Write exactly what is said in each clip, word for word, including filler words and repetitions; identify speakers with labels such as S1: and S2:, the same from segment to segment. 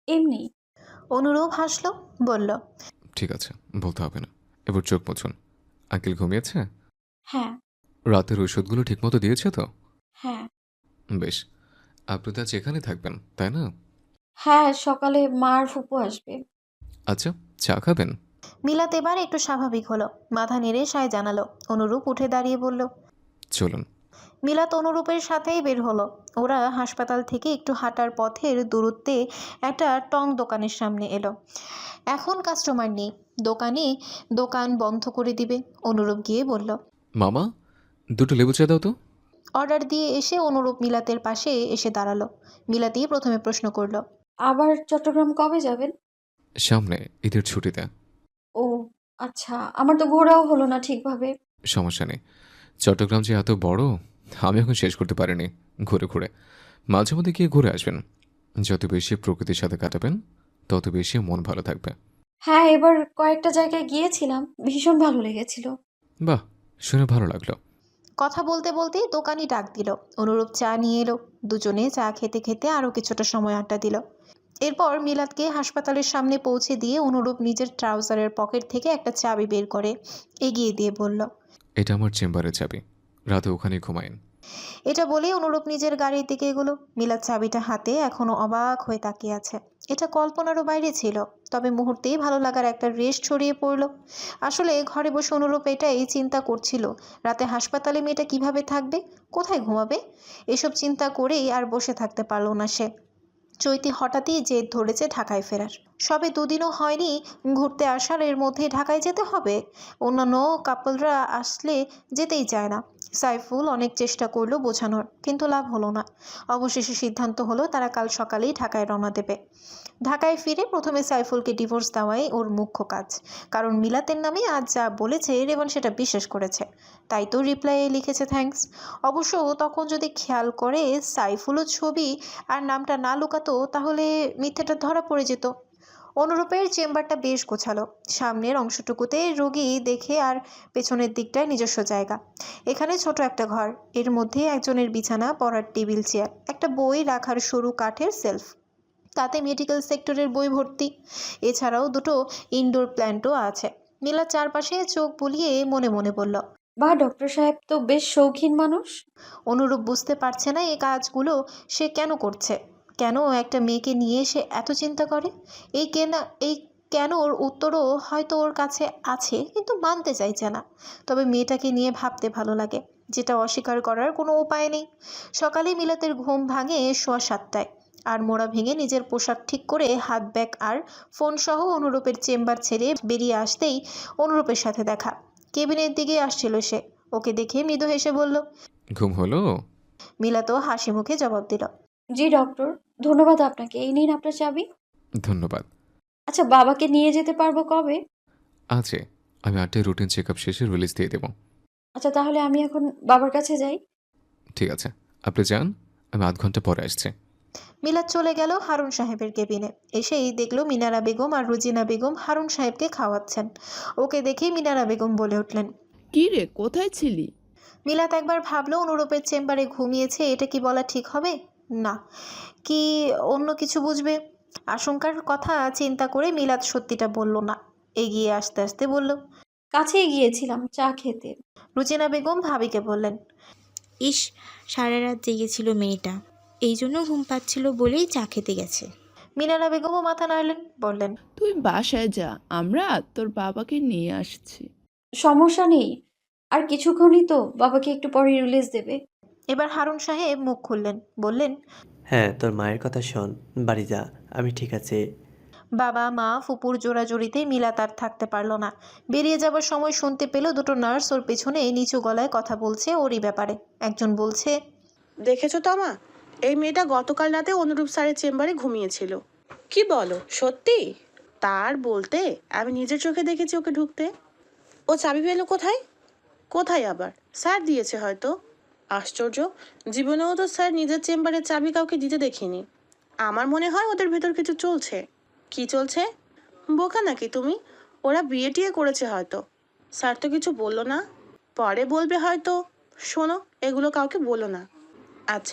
S1: এমনি।
S2: অনুরূপ হাসলো, বলল,
S3: ঠিক আছে, বলতে হবে না। এবার চোখ মুছুন। আঙ্কেল ঘুমিয়েছে?
S1: হ্যাঁ।
S3: রাতের ওষুধগুলো ঠিকমতো দিয়েছে তো?
S1: হ্যাঁ।
S3: বেশ। আপনি তো আজ এখানে থাকবেন, তাই না?
S1: হ্যাঁ, সকালে মা আর ফুপু আসবে।
S3: আচ্ছা, চা খাবেন?
S2: মিলাত এবার একটু স্বাভাবিক হলো, মাথা নেড়ে সায় জানালো। অনুরূপ উঠে দাঁড়িয়ে বলল,
S3: চলুন।
S2: মিলাত অনুরূপের সাথেই বের হলো। ওরা হাসপাতাল থেকে একটু হাঁটার পথের দূরত্বে একটা টং দোকানের সামনে এলো। এখন কাস্টমার নেই, দোকানে দোকান বন্ধ করে দিবে। অনুরূপ গিয়ে বলল,
S3: মামা, দুটো লেবু চা দাও তো।
S2: অর্ডার দিয়ে এসে অনুরূপ মিলাতের পাশে এসে দাঁড়ালো। মিলাতই প্রথমে প্রশ্ন করলো,
S1: আবার চট্টগ্রাম কবে যাবেন?
S3: সামনে ঈদের ছুটিতে।
S1: ও আচ্ছা, আমার তো ঘোরাও হলো না ঠিকভাবে।
S3: সমস্যা নেই, চট্টগ্রাম যে এত বড় আমি এখন শেষ করতে পারিনি ঘুরে ঘুরে। মাঝে মধ্যে গিয়ে ঘুরে আসবেন। যত বেশি প্রকৃতির সাথে কাটাবেন তত বেশি মন ভালো থাকবে।
S1: হ্যাঁ, এবার কয়েকটা জায়গায় গিয়েছিলাম, ভীষণ ভালো লেগেছিল।
S3: বাহ, শুনে ভালো লাগলো।
S2: কথা বলতে বলতেই দোকানি ডাক দিল। অনুরূপ চা নিয়ে এলো। দুজনে চা খেতে খেতে আরও কিছুটা সময় আড্ডা দিল। এরপর মিলাদকে হাসপাতালের সামনে পৌঁছে দিয়ে অনুরূপ নিজের ট্রাউজারের পকেট থেকে একটা চাবি বের করে এগিয়ে দিয়ে বলল,
S3: এটা আমার চেম্বারে চাবি, রাতে ওখানেই ঘুমায়েন।
S2: এটা বলেই অনুরূপ নিজের গাড়ির দিকে এগোলো। মিলাদ চাবিটা হাতে এখনো অবাক হয়ে তাকিয়ে আছে। এটা কল্পনারও বাইরে ছিল, তবে মুহূর্তেই ভালো লাগার একটা রেশ ছড়িয়ে পড়ল। আসলে ঘরে বসে অনুরূপ এটাই চিন্তা করছিল, রাতে হাসপাতালে মেয়েটা কিভাবে থাকবে, কোথায় ঘুমাবে। এসব চিন্তা করেই আর বসে থাকতে পারল না সে। চৈতি হঠাৎই জেদ ধরেছে ঢাকায় ফেরার। সবে দুদিনও হয়নি ঘুরতে আসার, এর মধ্যেই ঢাকায় যেতে হবে। অন্যান্য কাপলরা আসলে যেতেই চায় না। সাইফুল অনেক চেষ্টা করলো বোঝানোর, কিন্তু লাভ হলো না। অবশেষে সিদ্ধান্ত হলো তারা কাল সকালেই ঢাকায় রওনা দেবে। ঢাকায় ফিরে প্রথমে সাইফুলকে ডিভোর্স দেওয়াই ওর মুখ্য কাজ, কারণ মিলাতের নামে আজ যা বলেছে রেবন সেটা বিশ্বাস করেছে। তাই তো রিপ্লাইয়ে লিখেছে থ্যাঙ্কস। অবশ্য তখন যদি খেয়াল করে সাইফুলও ছবি আর নামটা না লুকাতো, তাহলে মিথ্যেটা ধরা পড়ে যেত। অনুরূপের চেম্বারটা বেশ গোছালো। সামনের অংশটুকুতে রোগী দেখে আর পেছনের দিকটায় নিজস্ব জায়গা। এখানে ছোট একটা ঘর, এর মধ্যে একজনের বিছানা, পড়ার টেবিল, চেয়ার, একটা বই রাখার সরু কাঠের সেলফ, তাতে মেডিকেল সেক্টরের বই ভর্তি। এছাড়াও দুটো ইনডোর প্ল্যান্টও আছে। নীলা চারপাশে চোখ বুলিয়ে মনে মনে বলল,
S1: বা ডক্টর সাহেব তো বেশ শৌখিন মানুষ।
S2: অনুরূপ বুঝতে পারছে না এই কাজগুলো সে কেন করছে, কেন একটা মেয়েকে নিয়ে সে এত চিন্তা করে। এই কেনা এই কেন ওর উত্তরও হয়তো ওর কাছে আছে, কিন্তু মানতে চাইছে না। তবে মেয়েটাকে নিয়ে ভাবতে ভালো লাগে, যেটা অস্বীকার করার কোনো উপায় নেই। সকালে মিলাতের ঘুম ভাঙে সোয়া সাতটায়। আর মোড়া ভেঙে নিজের পোশাক ঠিক করে হাত ব্যাগ আর ফোন সহ অনুরূপের চেম্বার ছেড়ে বেরিয়ে আসতেই অনুরূপের সাথে দেখা। কেবিনের দিকে আসছিল সে। ওকে দেখে মৃদু হেসে বলল,
S3: ঘুম হলো?
S2: মিলাতও হাসি মুখে জবাব দিল,
S1: জি ডক্টর, ধন্যবাদ আপনাকে। এই নিন আপনার চাবি।
S3: ধন্যবাদ।
S1: আচ্ছা, বাবাকে নিয়ে যেতে পারবো কবে?
S3: আছে, আমি আটটায় রুটিন চেক আপ শেষে রিলিজ দিয়ে দেবো।
S1: আচ্ছা, তাহলে আমি এখন বাবার কাছে যাই।
S3: ঠিক আছে, আপনি যান, আমি আধ ঘন্টা পরে আসছি।
S2: মিলাত চলে গেল হারুন সাহেবের কেবিনে। এসেই দেখলো মিনারা বেগম আর রুজিনা বেগম হারুন সাহেবকে খাওয়াচ্ছেন। ওকে দেখেই মিনারা বেগম বলে উঠলেন,
S4: কি রে, কোথায় ছিলি?
S2: মিলাত একবার ভাবলো অনুরূপের চেম্বারে ঘুমিয়েছে, এটা কি বলা ঠিক হবে? না, কি অন্য কিছু বুঝবে? আশঙ্কার কথা চিন্তা করে মিলাত সত্যিটা বলল না। এগিয়ে আসতে আসতে বলল,
S1: কাছেই গিয়েছিলাম চা খেতে।
S2: রুজিনা বেগম ভাবিকে বললেন,
S5: ইস, সারা রাত জেগেছিল মেয়েটা, এই জন্য ঘুম পাচ্ছিল বলেই চা খেতে গেছে।
S2: মিনারা বেগমও মাথা নাড়লেন, বললেন,
S4: তুই বাসায় যা, আমরা তোর বাবাকে নিয়ে আসছি।
S1: সমস্যা নেই, আর কিছুক্ষণই তো, বাবাকে একটু পরে রিলিজ দেবে।
S2: এবার হারুন সাহেব মুখ খুললেন, বললেন,
S6: হ্যাঁ, তোর মায়ের কথা শোন, বাড়ি যা, আমি ঠিক আছে।
S2: বাবা মা ফুপুর জোড়াজোড়িতে মিলাত আর থাকতে পারল না। বেরিয়ে যাবার সময় শুনতে পেল দুটো নার্স ওর পেছনে নিচু গলায় কথা বলছে ওরই ব্যাপারে। একজন বলছে,
S7: দেখেছো তমা, এই মেয়েটা গতকাল রাতে অনুরূপ স্যারের চেম্বারে ঘুমিয়েছিল। কি বলো, সত্যি? তার বলতে আমি নিজের চোখে দেখেছি ওকে ঢুকতে। ও চাবি পেলো কোথায়? কোথায় আবার? স্যার দিয়েছে হয়তো। আশ্চর্য, জীবনেও তো স্যার নিজের চেম্বারের চাবি কাউকে দিতে দেখিনি। আমার মনে হয় ওদের ভেতর কিছু চলছে। কি চলছে? বোকা নাকি তুমি? ওরা বিয়ে টিয়ে করেছে হয়তো। স্যার তো কিছু বললো না, পরে বলবে হয়তো। শোনো, এগুলো কাউকে বলো না। আচ্ছা।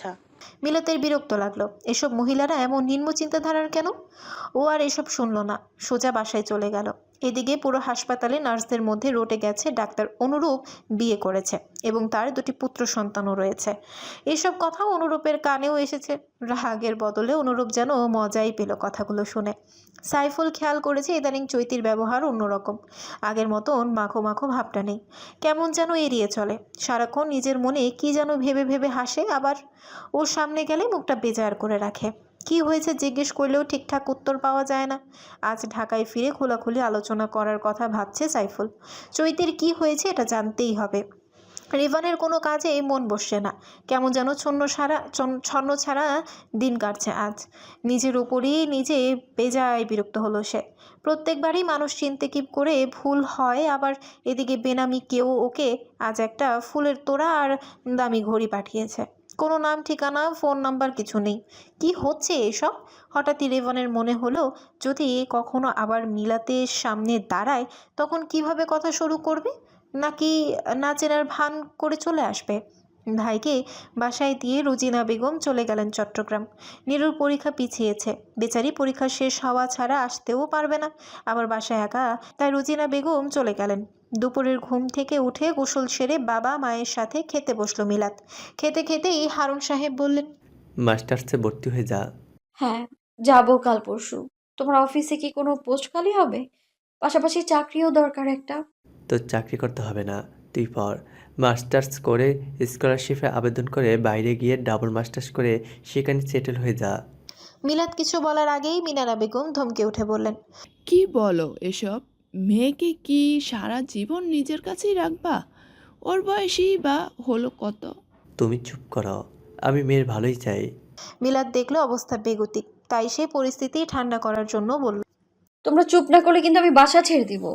S2: মিলাতের বিরক্ত লাগলো। এসব মহিলারা এমন নিম্ন চিন্তাধারার কেন? ও আর এসব শুনল না, সোজা বাসায় চলে গেল। এদিকে পুরো হাসপাতালে নার্সদের মধ্যে রটে গেছে ডাক্তার অনুরূপ বিয়ে করেছে এবং তার দুটি পুত্র সন্তানও রয়েছে। এসব কথা অনুরূপের কানেও এসেছে। রাগের বদলে অনুরূপ যেন মজাই পেল কথাগুলো শুনে। সাইফুল খেয়াল করেছে ইদানিং চৈতির ব্যবহার অন্যরকম। আগের মতন মাখো মাখো ভাবটা নেই, কেমন যেন এড়িয়ে চলে। সারাক্ষণ নিজের মনে কি যেন ভেবে ভেবে হাসে, আবার ওর সামনে গেলে মুখটা বেজার করে রাখে। কি হয়েছে জিজ্ঞেস করলেও ঠিকঠাক উত্তর পাওয়া যায় না। আজ ঢাকায় ফিরে খোলাখুলি আলোচনা করার কথা ভাবছে সাইফুল। চৈতির কি হয়েছে এটা জানতেই হবে। রিভানের কোনো কাজে মন বসছে না, কেমন যেন ছন্ন সারা ছন্ন ছাড়া দিন কাটছে আজ। নিজের উপরই নিজে বেজায় বিরক্ত হলো সে। প্রত্যেকবারই মানুষ চিনতে কি করে ভুল হয়, আবার এদিকে বেনামি কেউ ওকে আজ একটা ফুলের তোড়া আর দামি ঘড়ি পাঠিয়েছে। কোনো নাম ঠিকানা ফোন নাম্বার কিছু নেই। কি হচ্ছে এসব? হঠাৎই রেভানের মনে হলো যদি কখনো আবার মিলাতে সামনে দাঁড়ায় তখন কিভাবে কথা শুরু করবে, নাকি না চেনার ভান করে চলে আসবে। ভাইকে বাসায় দিয়ে রুজিনা বেগম চলে গেলেন চট্টগ্রাম। নীরুর পরীক্ষা পিছিয়েছে, বেচারি পরীক্ষা শেষ হওয়া ছাড়া আসতেও পারবে না, আবার বাসায় একা। তাই রুজিনা বেগম চলে গেলেন। দুপুরের ঘুম থেকে উঠে গোসল সেরে বাবা মায়ের সাথে খেতে বসলো মিলাত। খেতে খেতেই হারুন সাহেব বললেন,
S6: মাস্টার্সে ভর্তি হয়ে যা।
S1: হ্যাঁ, যাব কাল পরশু। তোমার অফিসে কি কোনো পোস্ট খালি হবে? পাশাপাশি চাকরিও দরকার একটা।
S6: তোর চাকরি করতে হবে না, তুই পড়। মাস্টার্স করে স্কলারশিপে আবেদন করে বাইরে গিয়ে ডাবল মাস্টার্স করে সেখানে সেটেল হয়ে যা।
S2: মিলাত কিছু বলার আগেই মিনারা বেগম ধমকে উঠে বললেন,
S4: কি বলো এসব? মেয়েকে কি সারা জীবন নিজের কাছেই রাখবা? ওর বয়সই বা হলো কত?
S6: তুমি চুপ করো, আমি মেয়ের ভালোই চাই।
S2: মিলাত দেখলো অবস্থা বেগতিক, তাই সে পরিস্থিতি ঠান্ডা করার জন্য বলল,
S1: তোমরা চুপ না করলে কিন্তু আমি বাসা ছেড়ে দিব।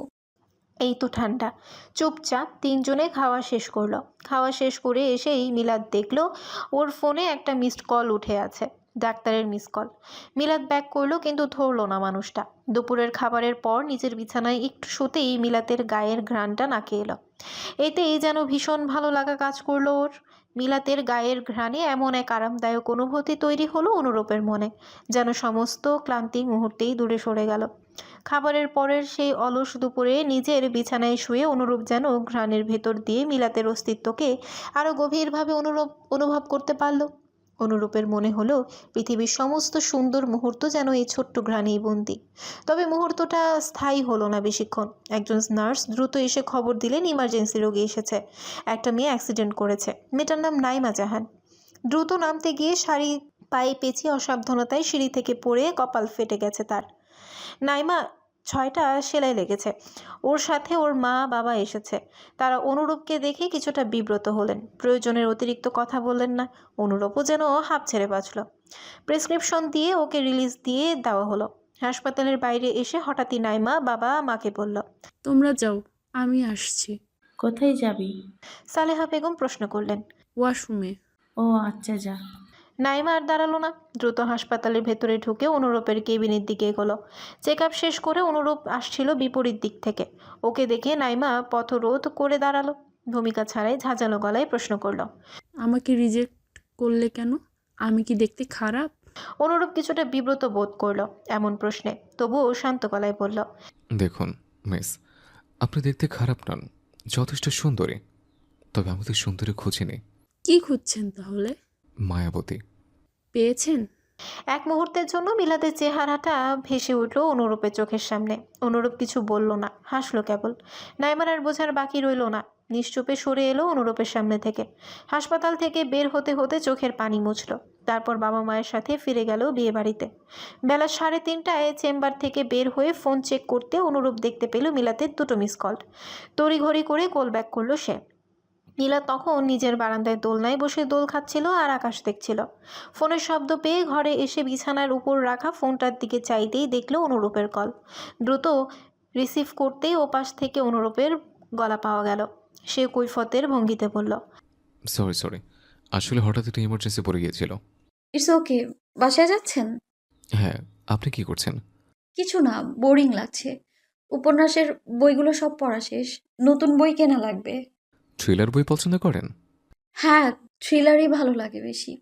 S2: এই তো ঠান্ডা। চুপচাপ তিনজনে খাওয়া শেষ করলো। খাওয়া শেষ করে এসেই মিলাদ দেখলো ওর ফোনে একটা মিসড কল উঠে আছে, ডাক্তারের মিস কল। মিলাদ ব্যাক করলো কিন্তু ধরলো না মানুষটা। দুপুরের খাবারের পর নিজের বিছানায় একটু শুতেই মিলাতের গায়ের ঘ্রাণটা নাকে এলো। এতেই যেন ভীষণ ভালো লাগা কাজ করলো ওর। মিলাতের গায়ের ঘ্রাণে এমন এক আরামদায়ক অনুভূতি তৈরি হলো অনুরূপের মনে, যেন সমস্ত ক্লান্তি মুহূর্তেই দূরে সরে গেল। খাবারের পরের সেই অলস দুপুরে নিজের বিছানায় শুয়ে অনুরূপ যেন ঘ্রাণের ভেতর দিয়ে মিলাতের অস্তিত্বকে আরও গভীরভাবে অনুরূপ অনুভব করতে পারল। অনুরূপের মনে হলো পৃথিবীর সমস্ত সুন্দর মুহূর্ত যেন এই ছোট্ট ঘ্রাণেই বন্দি। তবে মুহূর্তটা স্থায়ী হলো না বেশিক্ষণ। একজন নার্স দ্রুত এসে খবর দিলেন ইমার্জেন্সি রোগী এসেছে, একটা মেয়ে অ্যাক্সিডেন্ট করেছে। মেয়েটার নাম নাইমা জাহান। দ্রুত নামতে গিয়ে শাড়ি পায়ে পেঁচিয়ে অসাবধানতায় সিঁড়ি থেকে পড়ে কপাল ফেটে গেছে তার। নাইমা ছয়টা সেলাই লেগেছে। ওর সাথে ওর মা বাবা এসেছে। তারা অনুরূপকে দেখে কিছুটা বিব্রত হলেন, প্রয়োজনের অতিরিক্ত কথা বললেন না। অনুরূপও যেন হাঁপ ছেড়ে বাঁচল। প্রেসক্রিপশন দিয়ে ওকে রিলিজ দিয়ে দেওয়া হলো। হাসপাতালের বাইরে এসে হঠাৎই নাইমা বাবা মাকে বলল,
S8: তোমরা যাও, আমি আসছি।
S9: কোথায় যাবি?
S2: সালেহা বেগম প্রশ্ন করলেন।
S8: ওয়াশরুমে।
S9: ও আচ্ছা, যা।
S2: নাইমা আর দাঁড়ালো না, দ্রুত হাসপাতালের ভেতরে ঢুকে অনুরূপের কেবিনের দিকে এগোলো। চেক আপ শেষ করে অনুরূপ আসছিল বিপরীত দিক থেকে। ওকে দেখে নাইমা পথরোধ করে দাঁড়ালো, ভূমিকা ছাড়াই ঝাঁঝালো গলায় প্রশ্ন করলো,
S8: আমাকে রিজেক্ট করলে কেন? আমি কি দেখতে খারাপ?
S2: অনুরূপ কিছুটা বিব্রত বোধ করলো এমন প্রশ্নে, তবুও শান্ত গলায় বলল,
S3: দেখুন মিস, আপনি দেখতে খারাপ নন, যথেষ্ট সুন্দরী। তবে আমাদের সুন্দরী খুঁজি নেই।
S8: কি খুঁজছেন তাহলে?
S3: মায়াবতী।
S8: পেয়েছেন?
S2: এক মুহূর্তের জন্য মিলাদের চেহারাটা ভেসে উঠল অনুরূপের চোখের সামনে। অনুরূপ কিছু বলল না, হাসলো কেবল। নাইমার আর বোঝার বাকি রইল না, নিশ্চুপে সরে এলো অনুরূপের সামনে থেকে। হাসপাতাল থেকে বের হতে হতে চোখের পানি মুছল। তারপর বাবা মায়ের সাথে ফিরে গেল বিয়ে বাড়িতে। বেলা সাড়ে তিনটায় চেম্বার থেকে বের হয়ে ফোন চেক করতে অনুরূপ দেখতে পেল মিলাতের দুটো মিস কল। তড়িঘড়ি করে কল ব্যাক করলো সে। নীলা তখন নিজের বারান্দায় দোলনায় বসে দোল খাচ্ছিল আর আকাশ দেখছিল। ফোনের শব্দ পেয়ে ঘরে এসে বিছানার উপর রাখা ফোনটার দিকে চাইতেই দেখল অনুরূপের কল। দ্রুত রিসিভ করতেই ওপাশ থেকে অনুরূপের গলা পাওয়া গেল। সে কৈফতের ভঙ্গিতে বলল,
S3: সরি সরি, আসলে হঠাৎ একটা ইমার্জেন্সি পড়ে গিয়েছিল।
S1: It's okay. বাসায় যাচ্ছেন?
S3: হ্যাঁ, আপনি কি করছেন?
S1: কিছু না, বোরিং লাগছে। উপন্যাসের বইগুলো সব পড়া শেষ, নতুন বই কেনা লাগবে।
S3: থ্রিলার বই পছন্দ করেন?
S1: হ্যাঁ, থ্রিলারই ভালো লাগে বেশি।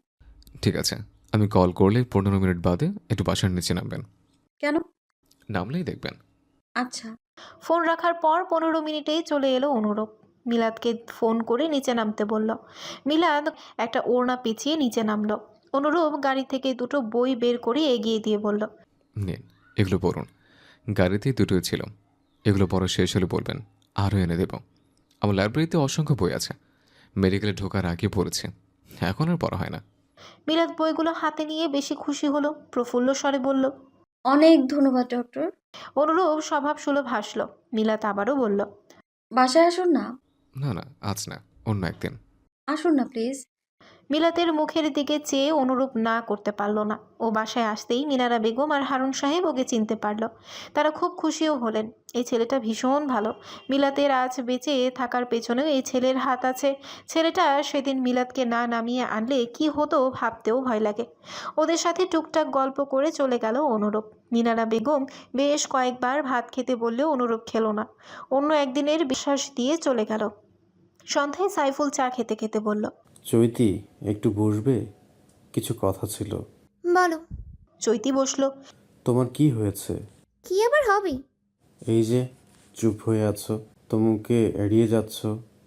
S3: ঠিক আছে, আমি কল করলে পনেরো মিনিট বাদে একটু বাসার নিচে নামবেন।
S1: কেন?
S3: নামলেই দেখবেন।
S1: আচ্ছা।
S2: ফোন রাখার পর পনেরো মিনিটেই চলে এলো অনুরূপ। মিলাদকে ফোন করে নিচে নামতে বলল। মিলাদ একটা ওড়না পেঁচিয়ে নিচে নামলো। অনুরূপ গাড়ি থেকে দুটো বই বের করে এগিয়ে দিয়ে বলল,
S3: নিন, এগুলো পড়ুন। গাড়িতেই দুটোই ছিল। এগুলো পড়া শেষ হলে বলবেন, আরও এনে দেব। আমার লাইব্রেরিতে অসংখ্য বই আছে। মেডিকেলে ঢোকার আগে পড়েছি, এখন আর পড়া হয় না।
S2: মিলাদ বইগুলো হাতে নিয়ে বেশি খুশি হলো, প্রফুল্ল স্বরে বলল।
S1: অনেক ধন্যবাদ ডক্টর।
S2: অনুরূপ স্বভাব সুলভ হাসল। মিলাদ আবারও বলল,
S1: বাসায় আসুন না।
S3: না না, আজ না, অন্য একদিন।
S1: আসুন না প্লিজ।
S2: মিলাতের মুখের দিকে চেয়ে অনুরূপ না করতে পারল না। ও বাসায় আসতেই মিনারা বেগম আর হারুন সাহেব ওকে চিনতে পারল। তারা খুব খুশিও হলেন। এই ছেলেটা ভীষণ ভালো। মিলাতের আজ বেঁচে থাকার পেছনেও এই ছেলের হাত আছে। ছেলেটা সেদিন মিলাতকে না নামিয়ে আনলে কি হতো ভাবতেও ভয় লাগে। ওদের সাথে টুকটাক গল্প করে চলে গেল অনুরূপ। মিনারা বেগম বেশ কয়েকবার ভাত খেতে বললেও অনুরূপ খেলো না। অন্য একদিনের বিশ্বাস দিয়ে চলে গেল। সন্ধ্যায় সাইফুল চা খেতে খেতে বলল,
S10: চৈতি, একটু বসবে? কিছু কথা ছিল।
S5: বলো।
S2: চৈতি বসলো।
S10: তোমার কি হয়েছে?
S5: কি আবার হবে?
S10: এই যে চুপ হয়ে আছো, তোমাকে এড়িয়ে যাচ্ছ,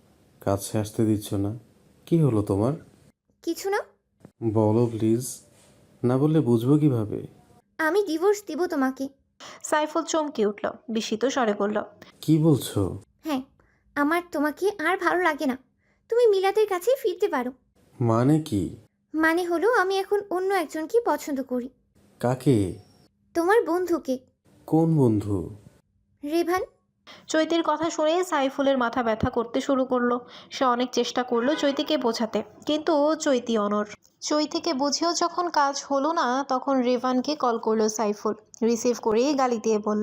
S10: কাছে আসতে দিচ্ছ না, কি হলো তোমার?
S5: কিছু না।
S10: বলো প্লিজ, না বললে বুঝবো কিভাবে?
S5: আমি ডিভোর্স দিব তোমাকে।
S2: সাইফুল চমকে উঠল, বিস্মিত স্বরে বলল,
S10: কি বলছো?
S5: হ্যাঁ, আমার তোমাকে আর ভালো লাগে না। তুমি মিলাতের কাছে ফিরতে পারো।
S10: মানে কি?
S5: মানে হলো আমি এখন অন্য একজনকে পছন্দ করি।
S10: কাকে?
S5: তোমার বন্ধুকে।
S10: কোন বন্ধু?
S5: রেভান।
S2: চৈতির কথা শুনে সাইফুলের মাথা ব্যথা করতে শুরু করলো। সে অনেক চেষ্টা করলো চৈতিকে বোঝাতে, কিন্তু চৈতি অনড়। চৈতিকে বুঝেও যখন কাজ হলো না, তখন রেভানকে কল করলো সাইফুল। রিসিভ করে গালি দিয়ে বলল,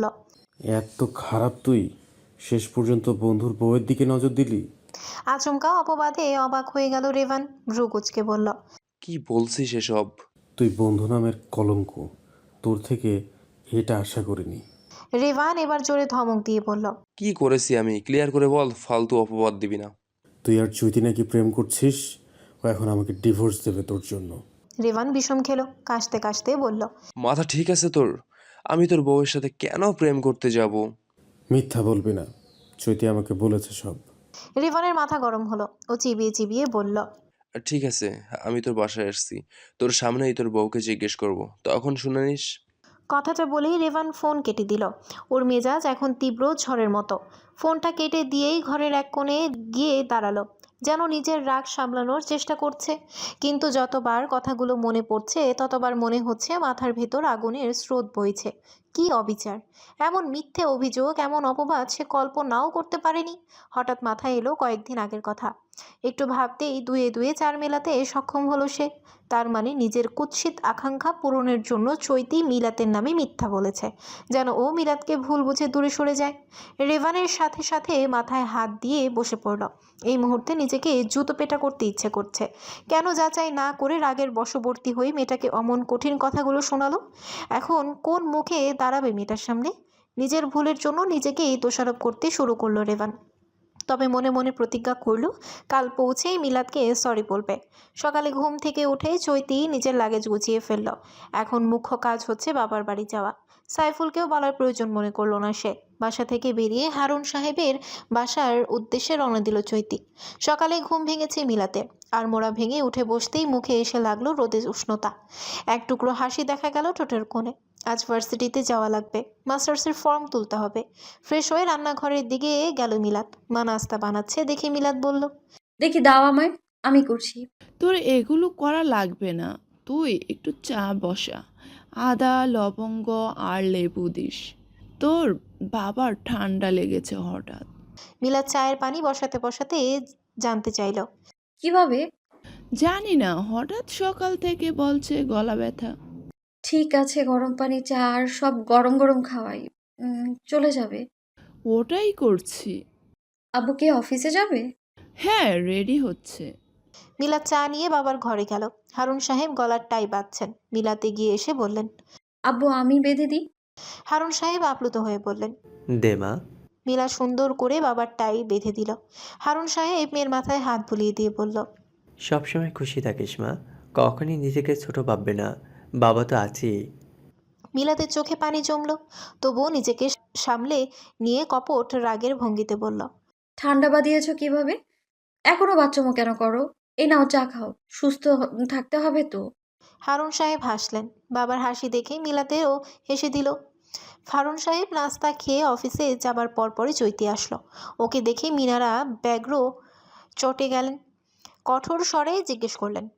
S10: এত খারাপ তুই? শেষ পর্যন্ত বন্ধুর বউয়ের দিকে নজর দিলি?
S2: আচমকা অপবাদে অবাক হয়ে গেল রেভান। ভ্রু কুঁচকে বলল,
S11: কি বলছিস এসব?
S10: তুই বন্ধু নামের কলঙ্ক, তোর থেকে এটা আশা করিনি।
S2: রেভান এবার জোরে ধমক দিয়ে বলল,
S11: কি করেছি আমি? ক্লিয়ার করে বল, ফালতু অপবাদ দিবি না।
S10: তুই আর চৈতি নাকি প্রেম করছিস? ও এখন আমাকে ডিভোর্স দেবে তোর জন্য।
S2: রেভান বিষম খেলো, কাশতে কাশতে বলল,
S11: মাথা ঠিক আছে তোর? আমি তোর বউয়ের সাথে কেন প্রেম করতে যাব?
S10: মিথ্যা বলবি না, চৈতি আমাকে বলেছে সব।
S2: রেভানের মাথা গরম হলো। ও চিবিয়ে চিবিয়ে বলল,
S11: ঠিক আছে, আমি তোর বাসায় আসছি, তোর সামনেই তোর বউকে জিজ্ঞেস করব, তখন শুনে নিস।
S2: কথাটা বলেই রেভান ফোন কেটে দিল। ওর মেজাজ এখন তীব্র ঝড়ের মতো। ফোনটা কেটে দিয়েই ঘরের এক কোণে গিয়ে দাঁড়ালো, যেন নিজের রাগ সামলানোর চেষ্টা করছে। কিন্তু যতবার কথাগুলো মনে পড়ছে, ততবার মনে হচ্ছে মাথার ভেতর আগুনের স্রোত বইছে। কি অবিচার! এমন মিথ্যে অভিযোগ, এমন অপবাদ সে কল্পনাও করতে পারেনি। হঠাৎ মাথায় এলো কয়েকদিন আগের কথা। একটু ভাবতেই দুয়ে দুয়ে চার মেলাতে সক্ষম হলো সে। তার মানে নিজের কুৎসিত আকাঙ্ক্ষা পূরণের জন্য চৈতি মিলাতের নামে মিথ্যা বলেছে, যেন ও মিলাতকে ভুল বুঝে দূরে সরে যায়। রেভানের সাথে সাথে মাথায় হাত দিয়ে বসে পড়ল। এই মুহূর্তে নিজেকে জুতো পেটা করতে ইচ্ছে করছে। কেন যাচাই না করে রাগের বশবর্তী হয়ে মেয়েটাকে অমন কঠিন কথাগুলো শোনালো? এখন কোন মুখে দাঁড়াবে মেয়েটার সামনে? নিজের ভুলের জন্য নিজেকেই দোষারোপ করতে শুরু করলো রেভান। তবে মনে মনে প্রতিজ্ঞা করল, কাল পৌঁছেই মিলাদকে সরি বলবে। সকালে ঘুম থেকে উঠে চৈতি নিজের লাগেজ গুছিয়ে ফেলল। এখন মুখ্য কাজ হচ্ছে বাবার বাড়ি যাওয়া। সাইফুলকেও বলার প্রয়োজন মনে করলো না সে। বাসা থেকে বেরিয়ে হারুন সাহেবের বাসার উদ্দেশ্যে রওনা দিল চৈতি। সকালে ঘুম ভেঙেছে মিলাতে, আর মোড়া ভেঙে উঠে বসতেই মুখে এসে লাগলো রোদের উষ্ণতা। এক টুকরো হাসি দেখা গেল ঠোঁটের কোণে। আজ ভার্সিটিতে যাওয়া লাগবে, মাস্টার্সের ফর্ম তুলতে হবে। ফ্রেশ হয়ে রান্নাঘরের দিকে গেল মিলাত। মা নাস্তা বানাচ্ছে দেখে মিলাত বলল,
S1: দেখি দাও আমায়, আমি করছি।
S4: তোর এগুলো করা লাগবে না, তুই একটু চা বসা, আদা লবঙ্গ আর লেবু দিস। তোর বাবার ঠান্ডা লেগেছে হঠাৎ।
S2: মিলাত চায়ের পানি বসাতে বসাতে জানতে চাইল,
S1: কিভাবে?
S4: জানি না, হঠাৎ সকাল থেকে বলছে গলা ব্যথা।
S1: ঠিক আছে, গরম পানি চা আর সব গরম গরম খাওয়াই। উম, চলে যাবে?
S4: ওটাই করছি।
S1: আব্বু কি অফিসে যাবে?
S4: হ্যাঁ, রেডি হচ্ছে।
S2: মিলাত চা নিয়ে বাবার ঘরে গেল। হারুন সাহেব গলার টাই বাঁধছেন। মিলাতে গিয়ে এসে বললেন,
S1: আব্বু আমি বেঁধে দিই?
S2: হারুন সাহেব আপ্লুত হয়ে বললেন।
S6: দে মা।
S2: মিলা সুন্দর করে বাবার টাই বেঁধে দিল। হারুন সাহেব মেয়ের মাথায় হাত বুলিয়ে দিয়ে বলল,
S6: সবসময় খুশি থাকিস মা, কখনই নিজেকে ছোট ভাববে না, বাবা তো আছেই।
S2: মিলাদের চোখে পানি জমল, তবুও নিজেকে সামলে নিয়ে কপট রাগের ভঙ্গিতে বলল,
S1: ঠান্ডা বাদিয়েছ কিভাবে? এখনো বাচ্চামো কেন করো? এই নাও চা খাও, সুস্থ হ- থাকতে হবে তো।
S2: হারুন সাহেব হাসলেন। বাবার হাসি দেখে মিলাতেও হেসে দিল। হারুন সাহেব নাস্তা খেয়ে অফিসে যাবার পরপরই চৈতি আসলো। ওকে দেখে মিনারা ব্যগ্র চটে গেলেন। কঠোর স্বরে জিজ্ঞেস করলেন,